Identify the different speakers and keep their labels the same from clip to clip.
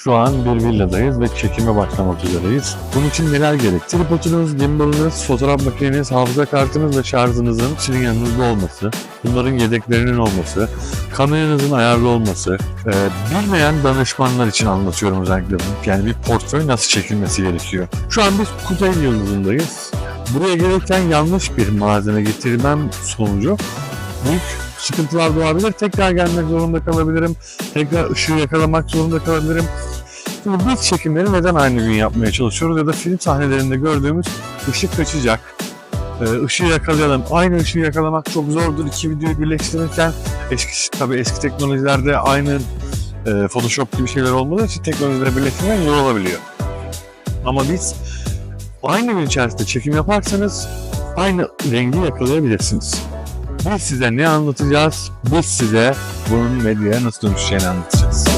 Speaker 1: Şu an bir villadayız ve çekime başlamak üzereyiz. Bunun için neler gerek? Tripodunuz, gimbalınız, fotoğraf makineniz, hafıza kartınız ve şarjınızın sizin yanınızda olması, bunların yedeklerinin olması, kameranızın ayarlı olması, bilmeyen danışmanlar için anlatıyorum özellikle bunu. Yani bir portföy nasıl çekilmesi gerekiyor. Şu an biz Kuzey Yıldızı'ndayız. Buraya gelirken yanlış bir malzeme getirmem sonucu büyük sıkıntılar doğabilir. Tekrar gelmek zorunda kalabilirim. Tekrar ışığı yakalamak zorunda kalabilirim. Şimdi biz çekimleri neden aynı gün yapmaya çalışıyoruz ya da film sahnelerinde gördüğümüz ışık kaçacak. Işığı yakalayalım. Aynı ışığı yakalamak çok zordur. İki videoyu birleştirirken eski teknolojilerde aynı Photoshop gibi şeyler olmadığı için teknolojileri birleştirmek zor olabiliyor. Ama biz aynı gün içerisinde çekim yaparsanız aynı rengi yakalayabilirsiniz. Biz size ne anlatacağız? Biz size bunun medyaya nasıl dönüşeceğini anlatacağız.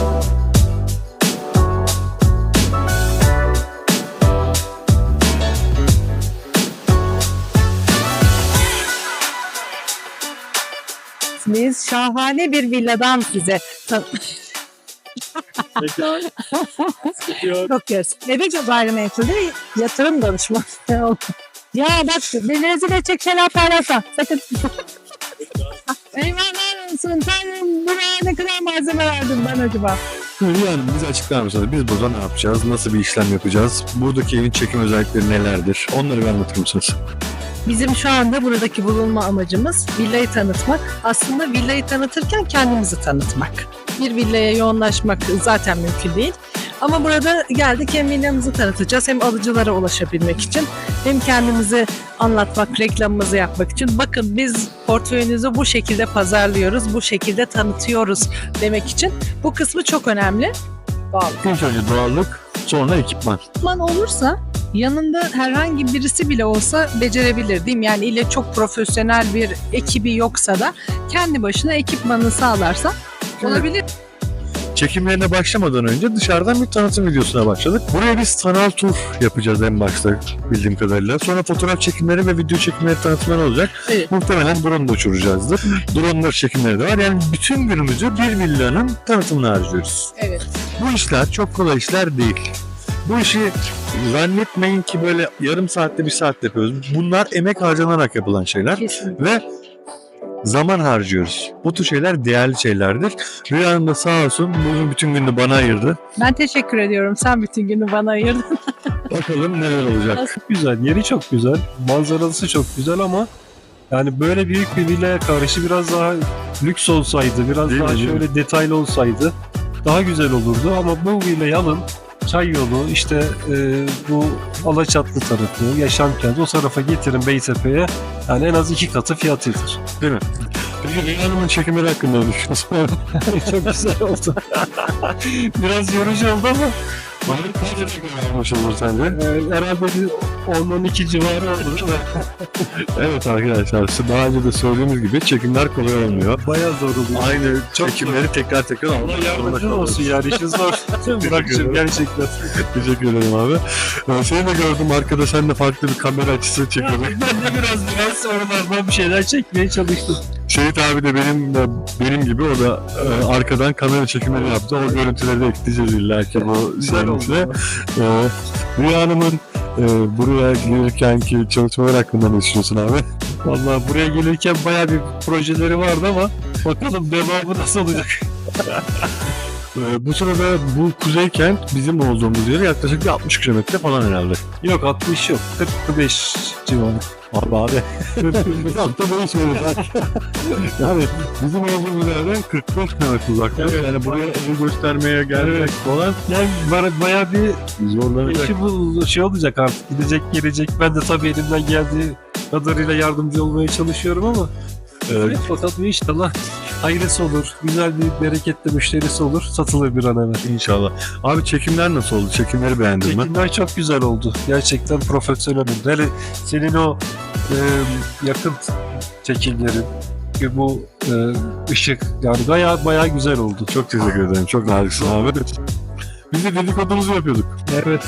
Speaker 2: Biz şahane bir villadan size bakıyoruz. Bebek gayrimenkulde yatırım danışması. Ya bak beni rezil edecek şeyler paylaşma. Sakın. Eyvallah olsun. Tanrım buraya ne kadar malzeme verdin bana acaba?
Speaker 1: Yani bize açıklar mısınız? Biz burada ne yapacağız? Nasıl bir işlem yapacağız? Buradaki evin çekim özellikleri nelerdir? Onları bir anlatır mısınız?
Speaker 2: Bizim şu anda buradaki bulunma amacımız villayı tanıtmak. Aslında villayı tanıtırken kendimizi tanıtmak. Bir villaya yoğunlaşmak zaten mümkün değil. Ama burada geldik hem villamızı tanıtacağız hem alıcılara ulaşabilmek için hem kendimizi anlatmak, reklamımızı yapmak için. Bakın biz portföyünüzü bu şekilde pazarlıyoruz, bu şekilde tanıtıyoruz demek için. Bu kısmı çok önemli. Doğallık.
Speaker 1: İlk önce doğallık, sonra ekipman.
Speaker 2: Ekipman olursa yanında herhangi birisi bile olsa becerebilir değil mi? Yani ile çok profesyonel bir ekibi yoksa da kendi başına ekipmanını sağlarsa olabilir.
Speaker 1: Çekimlerine başlamadan önce dışarıdan bir tanıtım videosuna başladık. Buraya biz sanal tur yapacağız en başta bildiğim kadarıyla. Sonra fotoğraf çekimleri ve video çekimleri tanıtımları olacak.
Speaker 2: Evet.
Speaker 1: Muhtemelen drone da uçuracağızdır. Drone'lar çekimleri de var. Yani bütün günümüzü bir villanın tanıtımına harcıyoruz.
Speaker 2: Evet.
Speaker 1: Bu işler çok kolay işler değil. Bu işi zannetmeyin ki böyle yarım saatte bir saatte yapıyoruz. Bunlar emek harcanarak yapılan şeyler.
Speaker 2: Kesinlikle.
Speaker 1: Ve zaman harcıyoruz. Bu tür şeyler değerli şeylerdir. Rüya Hanım da sağ olsun bugün bütün gününü bana ayırdı.
Speaker 2: Ben teşekkür ediyorum. Sen bütün günü bana ayırdın.
Speaker 1: Bakalım neler olacak.
Speaker 3: Güzel, yeri çok güzel, manzarası çok güzel ama yani böyle büyük bir villaya karşı biraz daha lüks olsaydı, biraz
Speaker 1: Değil
Speaker 3: daha
Speaker 1: mi, değil
Speaker 3: şöyle detaylı olsaydı daha güzel olurdu ama bu villayı alın, Çay yolu, işte bu Alaçatlı tarafı, Yaşamkent o tarafa getirin Beytepe'ye, yani en az 2 katı fiyatıydır.
Speaker 1: Değil mi? Peki Rüya Hanım'ın çekimleri hakkında ne düşünüyorsun?
Speaker 3: Çok güzel oldu. Biraz yorucu oldu ama
Speaker 1: Bana kaç çekim yapmış olur sence?
Speaker 3: herhalde bir 10-12 civarı olur.
Speaker 1: Evet arkadaşlar, daha önce de söylediğimiz gibi çekimler kolay olmuyor.
Speaker 3: Bayağı zor oluyor.
Speaker 1: Aynı
Speaker 3: Çok
Speaker 1: çekimleri tekrar
Speaker 3: Allah
Speaker 1: almak zorunda
Speaker 3: yardımcın olsun yani, işin zor. Bırakacağım gerçekten.
Speaker 1: Teşekkür ederim abi. Seni de gördüm arkada, sen de farklı bir kamera açısı çekiyordun.
Speaker 3: Ben de biraz oralardan bir şeyler çekmeye çalıştım.
Speaker 1: Şehit abi de benim gibi, o da arkadan kamera çekimleri yaptı. O görüntüleri de ekleyeceğiz illa ki bu
Speaker 3: Güzel oldu.
Speaker 1: serimizde. Rüya Hanım'ın buraya gelirkenki çalışmalar hakkında ne düşünüyorsun abi?
Speaker 3: Vallahi buraya gelirken bayağı bir projeleri vardı ama bakalım devamı nasıl olacak.
Speaker 1: Bu sırada bu Kuzeykent bizim olduğumuz yer yaklaşık bir 60 kilometre falan herhalde.
Speaker 3: Yok 60 yok, 45 civarı.
Speaker 1: Abi. Çok da değişmedi. Yani bizim olduğumuz yerden 45 kilometre uzakta.
Speaker 3: Evet.
Speaker 1: Yani buraya evi göstermeye gelmek falan
Speaker 3: Yani bayağı bir
Speaker 1: zorlanacak.
Speaker 3: işi bu şey olacak artık, gidecek gelecek. Ben de tabii elimden geldiği kadarıyla yardımcı olmaya çalışıyorum ama evet, fakat inşallah hayırlısı olur, güzel bir bereketli müşterisi olur, satılır bir an evvel.
Speaker 1: İnşallah. Abi çekimler nasıl oldu? Çekimleri beğendin mi?
Speaker 3: Çekimler çok güzel oldu. Gerçekten profesyonel oldu. Hele senin o yakın çekimlerin, bu ışık, yani bayağı güzel oldu.
Speaker 1: Çok teşekkür ederim. Çok naziksin abi. Biz de dedikodumuzu yapıyorduk.
Speaker 3: Evet.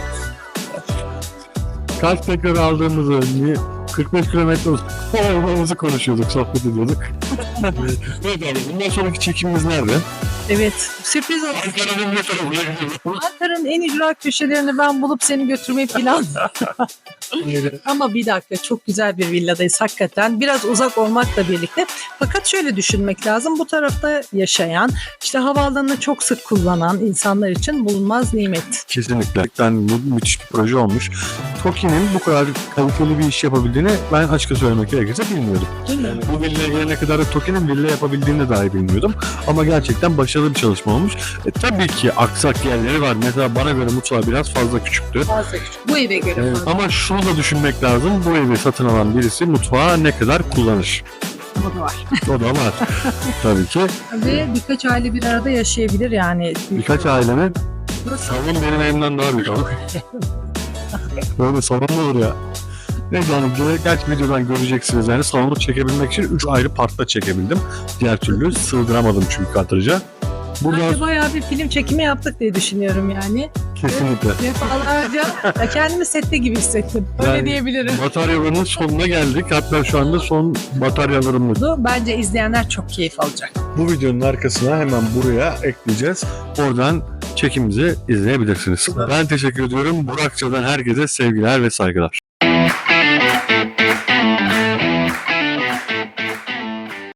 Speaker 1: Kaç tekrar aldığımızı, 45 kilometre olmamızı konuşuyorduk, sohbet ediyorduk. Evet abi, bundan sonraki çekimimiz nerede?
Speaker 2: Evet, sürpriz olsun.
Speaker 1: Ankara'nın ne tarafına gidiyoruz?
Speaker 2: Ankara'nın en ücra köşelerini ben bulup seni götürmeyi plan. Ama bir dakika, çok güzel bir villadayız hakikaten. Biraz uzak olmakla birlikte. Fakat şöyle düşünmek lazım. Bu tarafta yaşayan, işte havaalanını çok sık kullanan insanlar için bulunmaz nimet.
Speaker 1: Kesinlikle. Yani bu müthiş bir proje olmuş. TOKİ'nin bu kadar kaliteli bir iş yapabildiğini ben açıkça söylemek gerekirse bilmiyordum.
Speaker 2: Değil mi?
Speaker 1: Yani bu villaya gelene kadar da TOKİ'nin villa yapabildiğini dahi bilmiyordum. Ama gerçekten başarılı bir çalışma olmuş. Tabii ki aksak yerleri var. Mesela bana göre mutfağı biraz fazla küçüktü.
Speaker 2: Fazla küçük. Bu eve göre
Speaker 1: Evet,
Speaker 2: fazla.
Speaker 1: ama şunu da düşünmek lazım. Bu evi satın alan birisi mutfağı ne kadar kullanır?
Speaker 2: Bu da var.
Speaker 1: O da var. Tabii ki.
Speaker 2: Ve birkaç aile bir arada yaşayabilir yani.
Speaker 1: Birkaç ailenin salon benim evimden daha büyük ama. Böyle salon mu olur ya? Neyse hani gerçi videodan göreceksiniz yani salonu çekebilmek için 3 ayrı partta çekebildim. Diğer türlü sığdıramadım çünkü kadraja. Burada
Speaker 2: Bence bayağı bir film çekimi yaptık diye düşünüyorum yani.
Speaker 1: kesinlikle.
Speaker 2: Defalarca ya kendimi sette gibi hissettim. Öyle
Speaker 1: Yani-
Speaker 2: diyebilirim.
Speaker 1: Bataryalarının sonuna geldik. Hatta şu anda son bataryalarımız.
Speaker 2: Bence izleyenler çok keyif alacak.
Speaker 1: Bu videonun arkasına hemen buraya ekleyeceğiz. Oradan çekimimizi izleyebilirsiniz. Ben teşekkür ediyorum. Burakça'dan herkese sevgiler ve saygılar.